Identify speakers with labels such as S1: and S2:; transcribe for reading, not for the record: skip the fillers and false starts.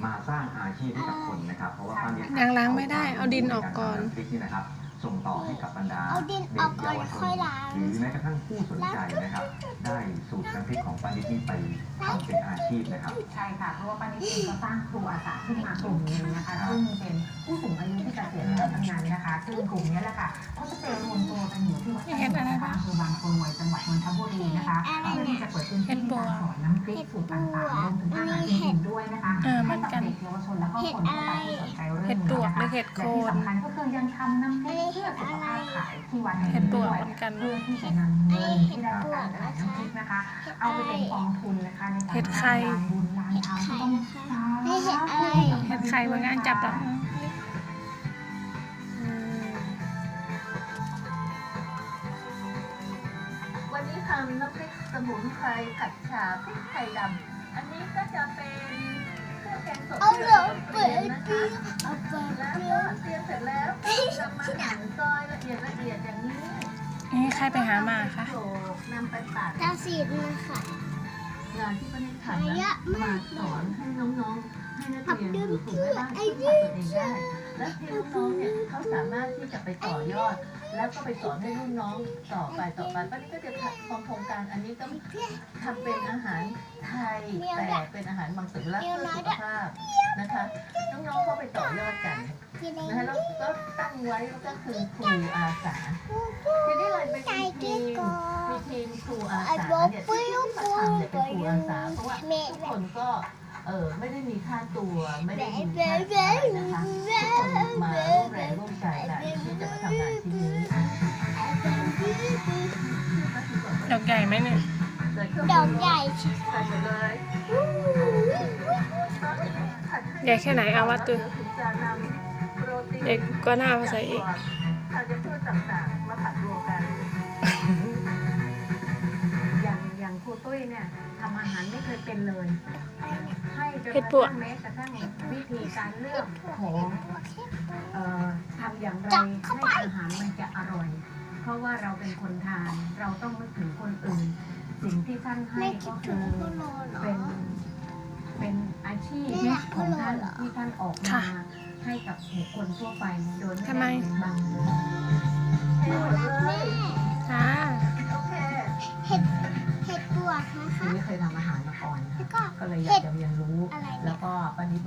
S1: มาสร้างอาชีพให้กับคนนะครับเพราะว่าป้านิด
S2: ยังล้างไม่ได้เอาดินออกก่อน
S1: พริกนี่นะครับส่งต่อให้กับบรรดา
S3: เอาดินออกก่อนค่อยล้าง
S1: หรือแม้กระทั่งผู้สนใจนะครับได้สูตรน้ำพริกของป้านิดนี่ไปทำเป็นอาชีพนะครับ
S4: ใช่ค่ะเพราะว่าป้านิดเองก็สร้างครูอาสาขึ้นมากลุ่มนึงนะคะซึ่งเป็นผู้สูงอายุที่เกษียณแล้วทั้งนั้นนะคะซึ่งกลุ่มนี้แหละค่ะเขาจะไปรวมตัวกันอยู่ที่วัดอำเภอบางกรวยจังหวัดนนทบุรีนะคะเพื่อที่จะเปิดพื้นที่การสอนน้ำพริกสูตรต่างๆรวมถึงอาหารอื่นๆด้วยนะคะให้กับเด็กเยาวชนและก็คนทั่วไปที่สนใจเรื่องนี้นะคะและที่สำคัญก็คือยังทำน้ำพริกเพื่อสุขภาพขายที่วัดแห่งนี้ด้วยเพื่อที่จะนำเงินที่ได้รับการขายน้ำพริกนะคะเอาไปเป็นกองทุนนะคะในการสร้างลานบุญลานธรรมที่ต้องสร้าง
S2: เห็ดไข่บางงานจับแล้ว
S5: วันนี้ทำน้ำพริกสมุนไพรผัดฉ่าพริกไทยดำอันนี้ก็จะเป็นเครื่องแกงสดที่เราเตรียมนะคะแล้วก็เตรียมเสร็จแล้วก็จะมาหั่นซอยละเอียดอย่างนี้
S2: นี่ใครไปหามาคะ
S5: โขลกนำไปตัด
S3: ตาสีนะคะ
S5: งานที่ป้านิดทำนะมาสอนให้น้องๆให้นักเรียนหรือฝึกแม่บ้านที่ทำตัวเองได้และที่น้องๆเนี่ยเขาสามารถที่จะไปต่อยอด แล้วก็ไปสอนให้รุ่นน้องต่อไปป้านิดก็จะทำโครงการอันนี้ก็ทำเป็นอาหารไทยแต่เป็นอาหารมังสวิรัติเพื่อสุขภาพนะคะน้องๆก็ไปต่อยอดกันนะคะแล้วก็ตั้งไว้ก็คือครูอาสาทีนี้เลยเป็นทีมครูอาสาเนี่ยที่มาทำเนี่ยเป็นครูอาสาเพราะว่าทุกคนก็ไม่ได้มีค่าตัวไม่ได้มีค่าใช้นะคะทุกคนมาร่วมแรงร่วมใจกันที่จะมาทำงานที่นี้
S2: ดอกใหญ่ไหมเนี่ย
S3: ดอกใหญ่
S5: ใส่ไปเลย
S2: ใหญ่แค่ไหนเอาวัดดู
S5: ถึงจะนำโปรตีน
S2: เด็กก็น่าเอาใส่อีก
S5: ธัญพืชต่างๆมาผัดรวมกัน
S4: อย่างครูตุ้ยเนี่ยทำอาหารไม่เคยเป็นเลยให้จนก
S2: เห็
S4: ระ
S2: ดปวก
S4: ทั่งแม้กระทั่งวิธีการเลือกของทำอย่างไรให้อาหารมันจะอร่อย เพราะว่าเราเป็นคนทานเราต้องนึกถึงคนอื่น สิ่งที่ท่านให้
S3: ไม่คิ
S4: ก็
S3: ดถึ
S4: คื
S3: ง
S4: อ
S3: พ่อโลเหรอ
S4: เป็นอาชีพของท่านที่ท่านออกมาให้กับบุคคลทั่วไปโดยไม่ได้ปิดบัง
S5: ให้หมดเลย
S2: จ้า
S5: โอเค
S3: เห็ดปวกนะคะ
S4: ไม่เคยทำอาหารมาก่อน
S3: แล้วก็
S4: ก็เลยอยากจะเรียนรู้
S3: อะไรเนี่ย
S4: แล้วก็ปฏิบัติ